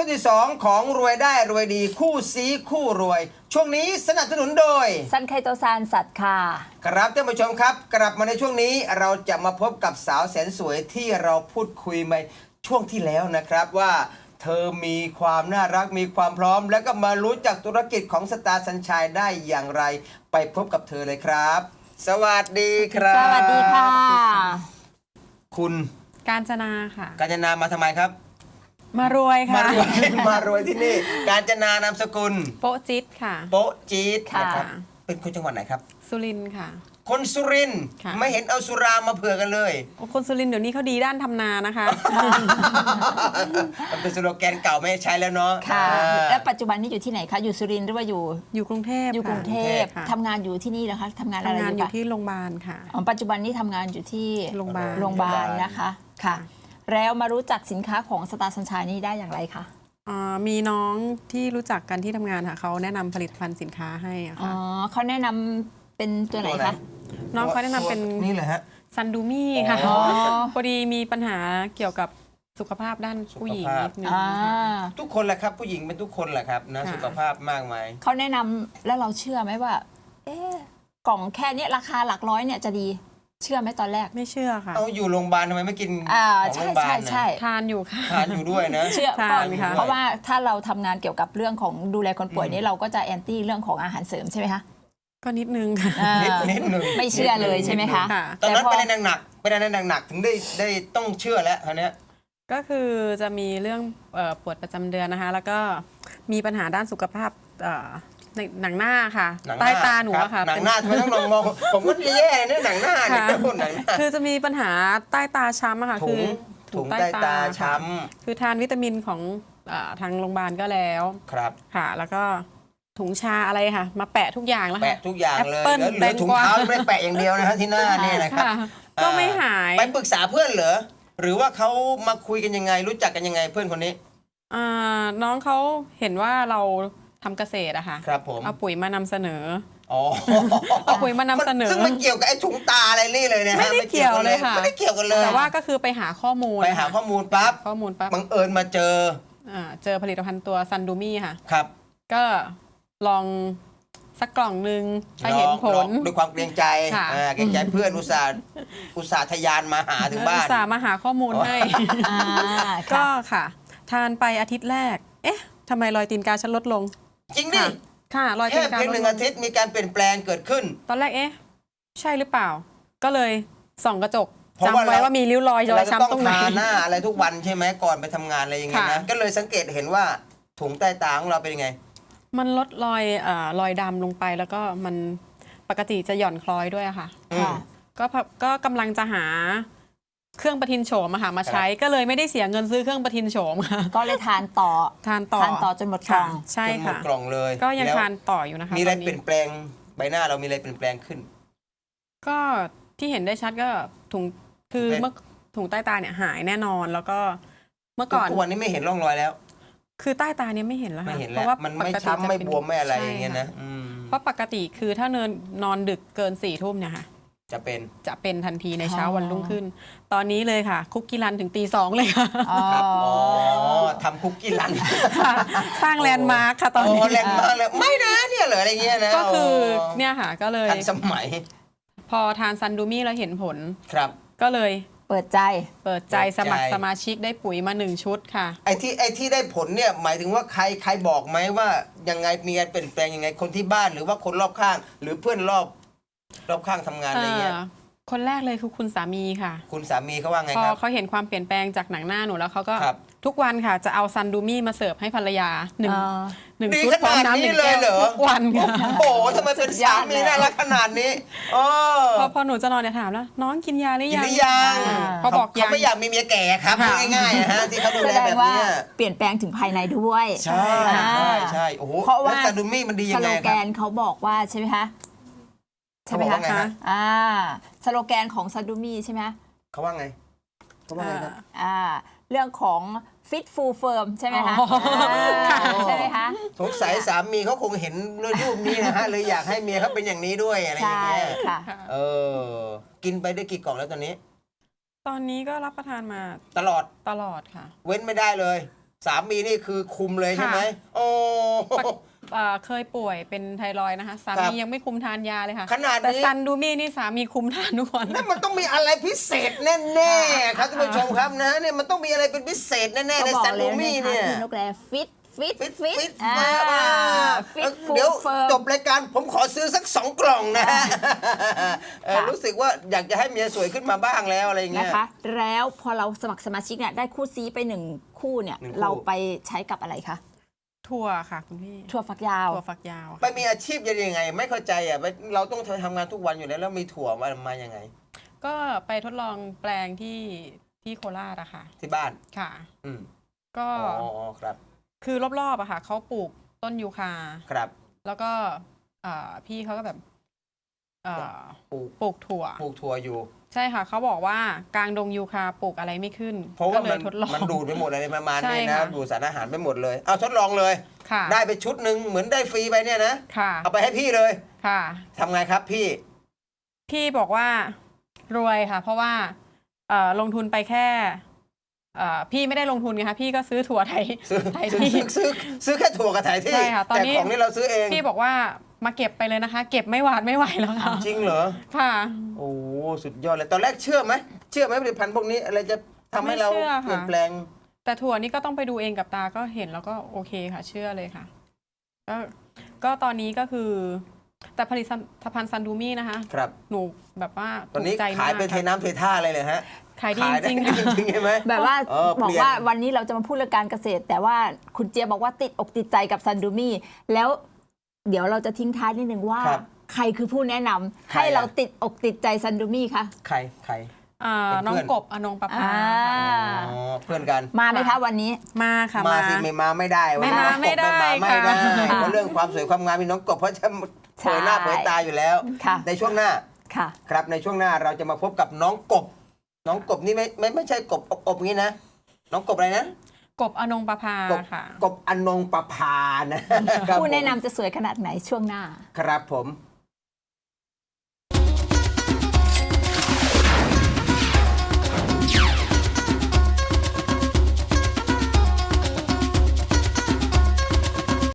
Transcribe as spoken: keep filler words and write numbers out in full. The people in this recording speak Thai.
ช่วงที่สองของรวยได้รวยดีคู่ซีคู่รวย ช่วงนี้สนับสนุนโดยซันไคโตซานสัตว์ค่ะครับท่านผู้ชมครับกลับมาในช่วงนี้เราจะมาพบกับสาวแสนสวยที่เราพูดคุยมาช่วงที่แล้วนะครับว่าเธอมีความน่ารักมีความพร้อม แล้วก็มารู้จักธุรกิจของสตาร์สัญชัยได้อย่างไรไปพบกับเธอเลยครับสวัสดีครับสวัสดีค่ะคุณกาญจนาค่ะกาญจนามาทำไมครับมารวยมาค่ะรวยมารวยที่นี่กาญจนานามสกุลโปะจิตค่ะโป๊ะจี๊ดค่ะนะครับเป็นคนจังหวัดไหนครับสุรินทร์ค่ะคนสุรินทร์ค่ะไม่เห็นเอาสุรามาเผื่อกันเลยโอ้คนสุรินทร์เดี๋ยวนี้เขาดีด้านทำนานะคะมันเป็นสโลแกนเก่าไม่ใช้แล้วเนาะค่ะอ่าและปัจจุบันนี้อยู่ที่ไหนคะ อยู่สุรินทร์หรือว่าอยู่อยู่กรุงเทพอยู่กรุงเทพค่ะทำงานอยู่ที่นี่นะคะทำงานอะไรทำงานออยู่ ยู่คะที่โรงพยาบาลค่ะอ๋อปัจจุบันนี้ทำงานอยู่ที่โรงพยาบาลโรงพยาบาลนะคะค่ะ แล้วมารู้จักสินค้าของสตาร์สัญชัยนี้ได้อย่างไรคะอ่ามีน้องที่รู้จักกันที่ทำงานค่ะเขาแนะนำผลิตภัณฑ์สินค้าให้อะอ๋อค่ะเขาแนะนำเป็นตัวไหนคะน้องเขาแนะนำเป็นนี่เลยฮะซันดูมี่ค่ะอ๋อพอดีมีปัญหาเกี่ยวกับสุขภาพด้านผู้หญิงนิดนึงอ่าค่ะทุกคนแหละครับผู้หญิงเป็นทุกคนแหละครับนะค่ะสุขภาพมากมายเขาแนะนำแล้วเราเชื่อไหมว่า เอ๊ะกล่องแค่เนี้ยราคาหลักร้อยเนี่ยจะดี เชื่อไหมตอนแรกไม่เชื่อค่ะเอาอยู่โรงพยาบาลทำไมไม่กินอ่าของโรใช่งพยาบาใช่ลใช่นะทานอยู่ค่ะทานอยู่ด้วยนะเชื่อทานก็ค่ะเพราะว่าถ้าเราทำงานเกี่ยวกับเรื่องของดูแลคนป่วยอืมนี่เราก็จะแอนตี้เรื่องของอาหารเสริมใช่ไหมคะก็นิดนึงค่ะอ่านิดนิดหนึ่งไม่เชื่อเลยใช่ไหมคะค่ะตอนนั้นแต่พอเป็นอะไรหนักๆเป็นอะไรหนักๆถึงได้ได้ต้องเชื่อแล้วทีเนี้ยก็คือจะมีเรื่องเอ่อปวดประจำเดือนนะคะ แล้วก็มีปัญหาด้านสุขภาพเอ่อในหนังหน้าค่ะหนังใต้น้ตาหนูรับอะค่ะหนังเป็นหน้าทำไมต้องมองมองผมก็แย่เนี่ยหนังหน้าเนี่ยค่ะพูดหนังหน้าคือจะมีปัญหาใต้ตาช้ำอะค่ะถุคืงอถุงใต้ตาช้คือทานวิตามินของเออทางโรงพยาบาลก็แล้วำครับค่ะ แล้วก็ถุงชาอะไรค่ะ มาแปะทุกอย่างแล้วค่ะแปะทุกอย่างเลยแอปเปิ้ลแล้วเหลือถุงเท้าไม่ได้แปะอย่างเดียวนะฮะที่หน้าเนี่ยนะครับค่ะก็ไม่หายไปปรึกษาเพื่อนเหรอหรือว่าเขามาคุยกันยังไง รู้จักกันยังไงเพื่อนคนนี้อ่าน้องเขาเห็นว่าเราทำเกษตรอะค่ะครับผมเอาปุ๋ยมานำเสนออ๋อเอาปุ๋ยมานำเสนอซึ่งมันเกี่ยวกับไอ้ถุงตาอะไรนี่เลยนะฮะไม่ได้เกี่ยวเลยค่ะไม่ได้เกี่ยวกันเลยแต่ว่าก็คือไปหาข้อมูลไปหาข้อมูลปั๊บข้อมูลปั๊บบังเอิญมาเจออ่าเจอผลิตภัณฑ์ตัวซันดูมี่ค่ะครับก็ลองสักกล่องหนึ่งถ้าเห็นผลลองด้วยความเกรงใจค่ะอ่าเกรงใจเพื่อนอุตส่าห์อุตส่าห์ทะยานมาหาถึงบ้าอุนตส่าห์มาหาข้อมูลให้อ่าก็ค่ะค่ะ ทานไปอาทิตย์แรก เอ๊ะทำไมรอยตีนกาฉันลดลงจริงดิค่ะค่ะรอยตีแค่นกาเพียงลหดนึ่งลอาง ทิตย์มีการเปลี่ยนแปลงเกิดขึ้นตอนแรกเอ๊ะใช่หรือเปล่า ก็เลยส่องกระจกเพราะว่าจำไว้เราว่ามีริ้วรอยรอเรายจะช้ำต้ตอรง งไหนทาหน้าอะไรทุกวันใช่ไหมก่อนไปทำงานอะไรอย่างเงี้ยนะค่ะก็เลยสังเกตเห็นว่าถุงใต้ตาของเราเป็นยังไงมันลดรอยเอ่อรอยดำลงไปแล้วก็มันปกติจะหย่อนคล้อยด้วยอะค่ะอืมค่ะก็พะก็กำลังจะหาเครื่องประทินโฉมอะค่ะมาใช้ ก็เลยไม่ได้เสียเงินซื้อเครื่องประทินโฉมค่ะก็เลยทานต่อทานต่อทานต่อจนหมดกล่องใช่จนหมดค่ะกล่องเลยก็ยังแล้วทานต่ออยู่นะคะมีอะไรตนเปลี่นี้ยนแปลงใบหน้าเรามีอะไรเปลี่ยนแปลงขึ้นก็ที่เห็นได้ชัดก็ถุงคือเป็นเมื่อถุงใต้ตาเนี่ยหายแน่นอนแล้วก็เมื่อก่อนทุกวันนี้ไม่เห็นร่องรอยแล้วคือใต้ตาเนี่ยไม่เห็นแล้วไม่ค่ะเห็นเพแล้วราะว่ามันปไม่กติช้ำจะไม่เป็นบวมไม่อะไรใช่อย่างเงี้ยนะค่อืมเพราะปกติคือถ้าเนินนอนดึกเกินสี่ทุ่มเนี่ยค่ะจะเป็นจะเป็นทันทีในเช้าอ๋อวันรุ่งขึ้น ตอนนี้เลยค่ะ คุกกี้รันถึงตีสองเลยค่ะอ๋อครับอ๋อทำคุกกี้รันสร้างแลนด์มาร์คค่ะตอนนี้โแรงมากเลยไม่นะเนี่ยเหรออะไรเงี้ยนะก็คือโเนี่ยค่ะก็เลยทันสมัยพอทานซันดูมี่แล้วเห็นผลครับก็เลยเปิดใจเปิดใจเปิดใจสมัครสมาชิกได้ปุ๋ยมาหนึ่งชุดค่ะไอ้ที่ไอ้ที่ได้ผลเนี่ยหมายถึงว่าใครใครบอกไหมว่ายังไงมีการเปลี่ยนแปลงยังไงคนที่บ้านหรือว่าคนรอบข้าง หรือเพื่อนรอบรอบข้างทำงานอะไรเงี้ยเอ่อคนแรกเลยคือคุณสามีค่ะคุณสามีเขาว่าไงพอครับเขาเห็นความเปลี่ยนแปลงจากหนังหน้าหนูแล้วเขาก็ครับทุกวันค่ะจะเอาซันดูมี่มาเสิร์ฟให้ภรรยาหนึ่งอ่าหนึ่งดีชุดขพร้อมนาดน้ำหนี้นึ่งเลยแก้วเหรอทุกวันค่ะโอ้โหทำไมเป็นสามีน่ารักขนาดนี้โอ้พอพอหนูจะนอนเนี่ยถามแล้วน้องกินยาหรือกินยังหรือยังอ่าเขาบอกยังเขาไม่อยากมีเมียแก่ครับค่ะง่ายๆนะฮะที่เขาดูแสแลดแบงบว่าเนี้ยเปลี่ยนแปลงถึงภายในด้วยใช่อ่าใช่ใช่โอ้โหเพราะว่าแล้วซาดูมี่มันดียัสงโลไงแกครับนเขาบอกว่าใช่ไหมคะใช่ไหมเขาบอคะกว่าไงฮะอ่าสโลแกนของซาดูมี่ใช่ไหมคะเขาว่าไงเขาว่าไงครับอ่าเรื่องของ fit full firm ใช่ไหมคะอ๋อค่ะอ่าใช่ไหมคะสงสัยสามีเขาคงเห็นรูปนี้นะฮะเลยอยากให้เมียเขาเป็นอย่างนี้ด้วยอะไรอย่างใช่เงี้ยค่ะเออกินไปได้กี่กล่องแล้วตอนนี้ตอนนี้ก็รับประทานมาตลอดตลอดค่ะเว้นไม่ได้เลยสามีนี่คือคุมเลยใช่ไหมโอ้เอ่อเคยป่วยเป็นไทรอยด์นะคะสาครัมีบยังไม่คุมทานยาเลยค่ะขนาดนี้แต่ซันดูมี่นี่สามีคุมทานทุกวันนั่นมันต้องมีอะไรพิเศษแน่ๆครับท่านผู้ชมครับนะเนี่ยมันต้องมีอะไรเป็นพิเศษแน่ๆก็ในบอกซันเลดูยมี่นะคะเนี่ยพี่นกแรฟิตฟิตฟิตฟิฟิตตอ่าอ่าฟิตฟูเดี๋ยวเฟิร์จมบรายการผมขอซื้อสักสองกล่องนะฮะเออค่ะรู้สึกว่าอยากจะให้เมียสวยขึ้นมาบ้างแล้วอะไรอย่างเงี้นะยคะ แล้วพอเราสมัครสมาชิกเนี่ยได้คู่ซีไปหนึ่งคู่เนี่ยหนึ่งคู่เราไปใช้กับอะไรคะถั่วค่ะคุณพี่ถั่วฝักยาวถั่วฝักยาวไปค่ะมีอาชีพยังไง ไม่เข้าใจอ่ะเราต้องทำงานทุกวันอยู่แล้วแล้วมีถั่วมามายังไงก็ไปทดลองแปลงที่ที่โคราชอะค่ะที่บ้านค่ะอืมก็อ๋ออ๋อครับคือรอบๆอะค่ะเขาปลูกต้นยูคาครับแล้วก็เอ่อพี่เขาก็แบบเอ่อปลูกปลูกถั่วปลูกถั่วอยู่ใช่ค่ะเขาบอกว่ากลางดงยูคาปลูกอะไรไม่ขึ้นเพราะว่าก็เลมัยนทดลองมันดูดไปหมดอะไรประมาณใช่นี้นะค่ะดูดสารอาหารไปหมดเลยเอาทดลองเลยค่ะได้ไปชุดหนึ่งเหมือนได้ฟรีไปเนี่ยนะค่ะเอาไปให้พี่เลยค่ะทำไงครับพี่พี่บอกว่ารวยค่ะ เพราะว่าเอ่อลงทุนไปแค่เอ่อพี่ไม่ได้ลงทุนไงคะพี่ก็ซื้อถั่วไทยซื้อไทยซื้อที่ซื้อซื้อซื้อแค่ถั่วกับไถที่ใช่ค่ะตอนแต่นี้ของนี่เราซื้อเองพี่บอกว่ามาเก็บไปเลยนะคะ เก็บไม่หวาดไม่ไหวแล้วค่ะจริงเหรอค่ะโอ้โหสุดยอดเลยตอนแรกเชื่อไหมเชื่อไหมผลิตภัณฑ์พวกนี้อะไรจะทำให้เราไม่เชื่อค่ะเปลี่ยนแปลงแต่ถั่วนี่ก็ต้องไปดูเองกับตาก็เห็นแล้วก็โอเคค่ะ เชื่อเลยค่ะ ก็ก็ตอนนี้ก็คือ แต่ผลิตภัณฑ์ซันดูมี่นะคะครับหนูแบบว่าตอนนี้ถูกใจขายเป็นเทมากน้ำเทท่าเลยเลยฮะขายดีขายได้จริงๆจค่ะริงๆใช่ไหมแบบว่าเออบอกเปลี่ยนว่าวันนี้เราจะมาพูดเรื่องการเกษตร แต่ว่าคุณเจี๊ยบบอกว่าติดอกติดใจกับซันดูมี่แล้วเดี๋ยวเราจะทิ้งท้ายนิดนึงว่าครับใครคือผู้แนะนำใครให้อะเราติดอกติดใจซันดูมี่คะใครใครอ่าเป็นเพื่อนน้องกบอนงประภาอ่าอ๋อเพื่อนกันมาไหมคะวันนี้มาค่ะมามาสิไม่มาไม่ได้วันนี้ไม่มาน้องกบไม่ได้ไม่มาไม่ได้ค่ะเพราะเรื่องความสวยความงามมีน้องกบเพราะจะเผยหน้าใช่เผยตาอยู่แล้วค่ะในช่วงหน้าค่ะครับในช่วงหน้าเราจะมาพบกับน้องกบ น้องกบนี่ไม่ไม่ไม่ใช่กบอบอบอย่างนี้นะ น้องกบอะไรนะกบอนงประภากบค่ะกบอนงประพานะครับผู้แนะผมนำจะสวยขนาดไหนช่วงหน้าครับผม